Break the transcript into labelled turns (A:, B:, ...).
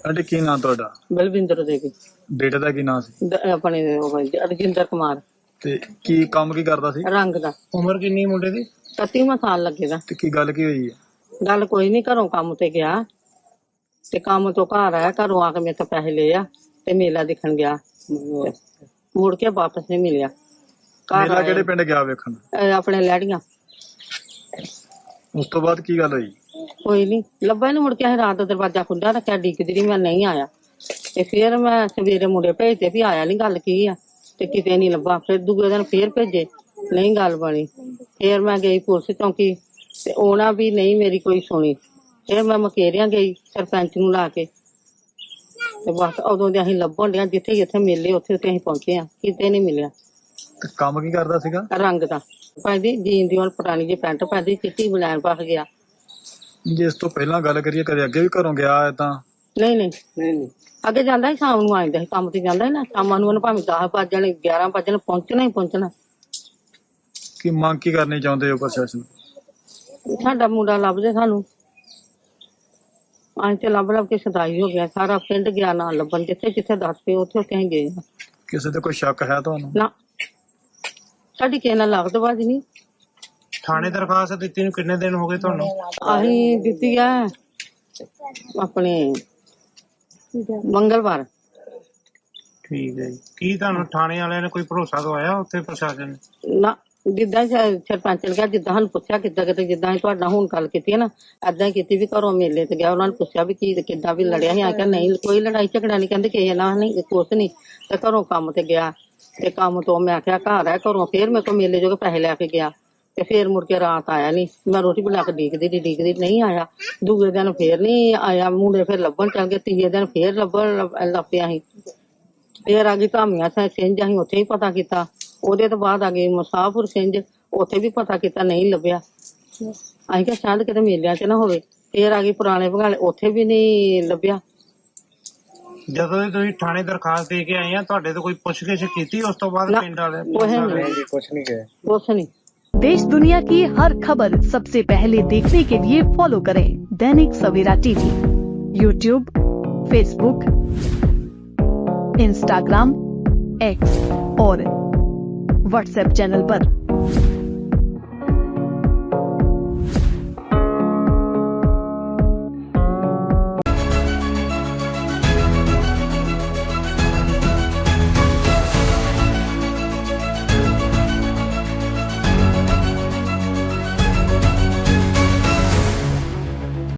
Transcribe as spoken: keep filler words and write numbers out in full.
A: Aunty ਕੀ ਨਾਂ ਤੁਹਾਡਾ?
B: ਬਲਵਿੰਦਰ ਦੇਵੀ।
A: ਬੇਟੇ ਦਾ ਕੀ ਨਾਂ ਸੀ?
B: ਦ- ਆਪਣੇ ਉਹ ਰਜਿੰਦਰ ਕੁਮਾਰ।
A: ਤੇ ਕੀ ਕੰਮ ਕੀ ਕਰਦਾ ਸੀ?
B: ਰੰਗ ਦਾ।
C: ਉਮਰ ਕਿੰਨੀ ਮੁੰਡੇ ਦੀ?
B: ਇਕੱਤੀਵਾਂ ਸਾਲ ਲੱਗੇਗਾ।
A: ਤੇ ਕੀ ਗੱਲ ਕੀ ਹੋਈ ਹੈ?
B: ਗੱਲ ਕੋਈ ਨਹੀਂ, ਘਰੋਂ ਕੰਮ ਤੇ ਗਿਆ ਤੇ ਕੰਮ ਤੋਂ ਘਰ ਆਇਆ, ਘਰੋਂ ਆ ਕੇ ਮੇਰੇ ਤੋਂ ਪੈਸੇ ਲਏ ਆ ਤੇ ਮੇਲਾ ਦੇਖਣ ਗਿਆ। ਤੇ ਮੁੜ ਕੇ ਵਾਪਸ ਨਹੀਂ ਮਿਲਿਆ। ਘਰ
A: ਮੇਲਾ
B: ਆਇਆ,
A: ਕਿਹੜੇ ਪਿੰਡ ਗਿਆ ਵੇਖਣ?
B: ਇਹ ਆਪਣੇ ਲੈੜੀਆਂ।
A: ਉਸ ਤੋਂ ਬਾਅਦ ਕੀ ਗੱਲ ਹੋਈ?
B: ਕੋਈ ਨਹੀਂ ਲੱਭਾ ਨੀ। ਮੁੜ ਕੇ ਅਸੀਂ ਰਾਤ ਦਾ ਦਰਵਾਜ਼ਾ ਖੁੱਲ੍ਹਾ ਰੱਖਿਆ, ਡੀਕਦੀ ਰਹੀ, ਮੈਂ ਨਹੀਂ ਆਇਆ। ਤੇ ਫਿਰ ਮੈਂ ਸਵੇਰੇ ਮੁੰਡੇ ਭੇਜਦੇ ਵੀ ਆਇਆ ਨੀ, ਗੱਲ ਕੀ ਆ, ਤੇ ਕਿਤੇ ਨਹੀਂ ਲੱਭਾ। ਫਿਰ ਦੂਜੇ ਦਿਨ ਫੇਰ ਭੇਜੇ, ਨਹੀਂ ਗੱਲ ਬਣੀ। ਫਿਰ ਮੈਂ ਗਈ ਪੁਲਿਸ ਚੌਂਕੀ ਤੇ ਉਹਨਾਂ ਵੀ ਨਹੀਂ ਮੇਰੀ ਕੋਈ ਸੁਣੀ। ਫਿਰ ਮੈਂ ਮਕੇਰੀਆਂ ਗਈ ਸਰਪੰਚ ਨੂੰ ਲਾ ਕੇ, ਤੇ ਬਸ ਉਦੋਂ ਦੇ ਅਸੀਂ ਲੱਭਣ ਡਿਆ, ਜਿੱਥੇ ਜਿੱਥੇ ਮਿਲੇ ਉੱਥੇ ਉੱਥੇ ਅਸੀਂ ਪਹੁੰਚੇ ਆ, ਕਿਤੇ ਨਹੀਂ ਮਿਲਿਆ।
A: ਤੇ ਕੰਮ ਕੀ ਕਰਦਾ ਸੀਗਾ?
B: ਰੰਗ ਦਾ ਪਾਉਂਦੀ, ਜੀਨ ਦੀ ਹੁਣ ਪੁਰਾਣੀ ਜਿਹੀ ਪੈਂਟ ਪਾਉਂਦੀ, ਚਿੱਟੀ ਬਲੈਨ ਪਾ ਗਿਆ।
A: ਜੇ ਇਸ ਤੋਂ ਪਹਿਲਾਂ ਗੱਲ ਕਰੀਏ, ਕਦੇ ਅੱਗੇ ਵੀ ਘਰੋਂ ਗਿਆ ਹੈ ਤਾਂ?
B: ਨਹੀਂ ਨਹੀਂ ਨਹੀਂ ਨਹੀਂ ਅੱਗੇ ਜਾਂਦਾ ਸੀ, ਸ਼ਾਮ ਨੂੰ ਆ ਜਾਂਦਾ ਸੀ, ਕੰਮ ਤੇ ਜਾਂਦਾ ਸੀ ਨਾ, ਸ਼ਾਮਾਂ ਨੂੰ ਉਹਨੇ ਭਾਵੇਂ ਦਸ ਵੱਜ ਜਾਣੇ, ਗਿਆਰਾਂ ਵੱਜ ਜਾਣੇ, ਪਹੁੰਚਣਾ ਹੀ ਪਹੁੰਚਣਾ।
A: ਕੀ ਮੰਗ ਕੀ ਕਰਨੀ ਚਾਹੁੰਦੇ ਹੋ ਪ੍ਰਸ਼ਾਸਨ?
B: ਸਾਡਾ ਮੁੰਡਾ ਲੱਭਦੇ ਸਾਨੂੰ। ਅਸੀਂ ਤੇ ਲੱਭ ਲੱਭ ਕੇ ਸਦਾਈ ਹੋ ਗਿਆ, ਸਾਰਾ ਪਿੰਡ ਗਿਆ ਨਾ ਲੱਭਣ, ਜਿੱਥੇ ਜਿੱਥੇ ਦੱਸ ਪਏ ਉੱਥੇ ਉੱਥੇ ਅਸੀਂ ਗਏ।
A: ਕਿਸੇ ਤੇ ਕੋਈ ਸ਼ੱਕ ਹੈ ਤੁਹਾਨੂੰ?
B: ਨਾ, ਸਾਡੀ ਕਿਸੇ ਨਾਲ ਲੱਗਦ ਬਾਜ ਨਹੀਂ।
C: ਥਾਣੇ ਦਰਖਾਸਤ ਦਿੱਤੀ ਨੂੰ ਕਿੰਨੇ ਦਿਨ ਹੋ ਗਏ ਤੁਹਾਨੂੰ?
B: ਅਸੀਂ ਦਿੱਤੀ ਆ ਆਪਣੇ ਮੰਗਲਵਾਰ।
C: ਠੀਕ ਹੈ ਜੀ। ਕੀ ਤੁਹਾਨੂੰ ਥਾਣੇ ਵਾਲਿਆਂ ਨੇ ਕੋਈ ਭਰੋਸਾ ਦਵਾਇਆ ਉੱਥੇ ਪ੍ਰਸ਼ਾਸਨ ਨੇ?
B: ਨਾ, ਜਿੱਦਾਂ ਸ- ਸਰਪੰਚ ਨੇ ਕਿਹਾ, ਜਿੱਦਾਂ ਸਾਨੂੰ ਪੁੱਛਿਆ ਕਿੱਦਾਂ ਕਿਤੇ, ਜਿੱਦਾਂ ਅਸੀਂ ਤੁਹਾਡਾ ਹੁਣ ਗੱਲ ਕੀਤੀ ਹੈ ਨਾ, ਏਦਾਂ ਹੀ ਕੀਤੀ ਵੀ ਘਰੋਂ ਮੇਲੇ ਤੇ ਗਿਆ। ਉਹਨਾਂ ਨੇ ਪੁੱਛਿਆ ਵੀ ਕੀ ਕਿੱਦਾਂ ਵੀ ਲੜਿਆ ਸੀ, ਆ ਕਿਹਾ ਨਹੀਂ ਕੋਈ ਲੜਾਈ ਝਗੜਾ ਨਹੀਂ, ਕਹਿੰਦੇ ਕਿਸੇ ਨਾਲ ਨਹੀਂ, ਕੁਛ ਨਹੀਂ। ਤੇ ਘਰੋਂ ਕੰਮ ਤੇ ਗਿਆ, ਤੇ ਕੰਮ ਤੋਂ ਮੈਂ ਆਖਿਆ ਘਰ ਆ, ਘਰੋਂ ਫੇਰ ਮੇਰੇ ਕੋਲ ਮੇਲੇ ਜੋ ਪੈਸੇ ਲੈ ਕੇ ਗਿਆ, ਤੇ ਫੇਰ ਮੁੜ ਕੇ ਰਾਤ ਆਇਆ ਨੀ। ਮੈਂ ਰੋਟੀ ਬਣਾ ਕੇ ਡੀਕਦੀ ਡੀਕਦੀ ਨਹੀਂ ਆਇਆ। ਦੂਜੇ ਦਿਨ ਫੇਰ ਨੀ ਆਇਆ, ਮੁੰਡੇ ਫੇਰ ਲੱਭਣ ਚੱਲ ਗਏ। ਤੀਜੇ ਦਿਨ ਫੇਰ ਲੱਭਣ ਲੱਗ ਪਿਆ ਸੀ। ਫੇਰ ਆ ਗਈ ਧਾਮੀਆਂ ਸਿੰਘ, ਅਸੀਂ ਉੱਥੇ ਹੀ ਪਤਾ ਕੀਤਾ। ਉਹਦੇ ਤੋਂ ਬਾਅਦ ਆ ਗਈ ਮੁਸਾਫਰ ਸਿੰਘ, ਉੱਥੇ ਵੀ ਪਤਾ ਕੀਤਾ, ਨਹੀਂ ਲੱਭਿਆ। ਅਸੀਂ ਕਿਹਾ ਸ਼ਾਇਦ ਕਿਤੇ ਮੇਲਿਆਂ ਚ ਨਾ ਹੋਵੇ। ਫੇਰ ਆ ਗਈ ਪੁਰਾਣੇ ਭਗਾਲੇ, ਉੱਥੇ ਵੀ ਨਹੀਂ ਲੱਭਿਆ।
C: ਜਦੋਂ ਦੀ ਤੁਸੀਂ ਥਾਣੇ ਦਰਖਾਸਤ ਦੇ ਕੇ ਆਏ ਆ, ਤੁਹਾਡੇ ਤੋਂ ਕੋਈ ਪੁੱਛਗਿੱਛ ਕੀਤੀ ਉਸ ਤੋਂ ਬਾਅਦ?
B: ਨਾ,
C: ਪਿੰਡ ਵਾਲੇ
B: ਕੁਛ ਨਹੀਂ,
C: ਕੁਛ ਨਹੀਂ ਕਹੇ।
B: ਕੁਛ ਨਹੀਂ।
D: देश दुनिया की हर खबर सबसे पहले देखने के लिए फॉलो करें Dainik Savera TV, YouTube, Facebook, Instagram, X और व्हाट्सएप चैनल पर।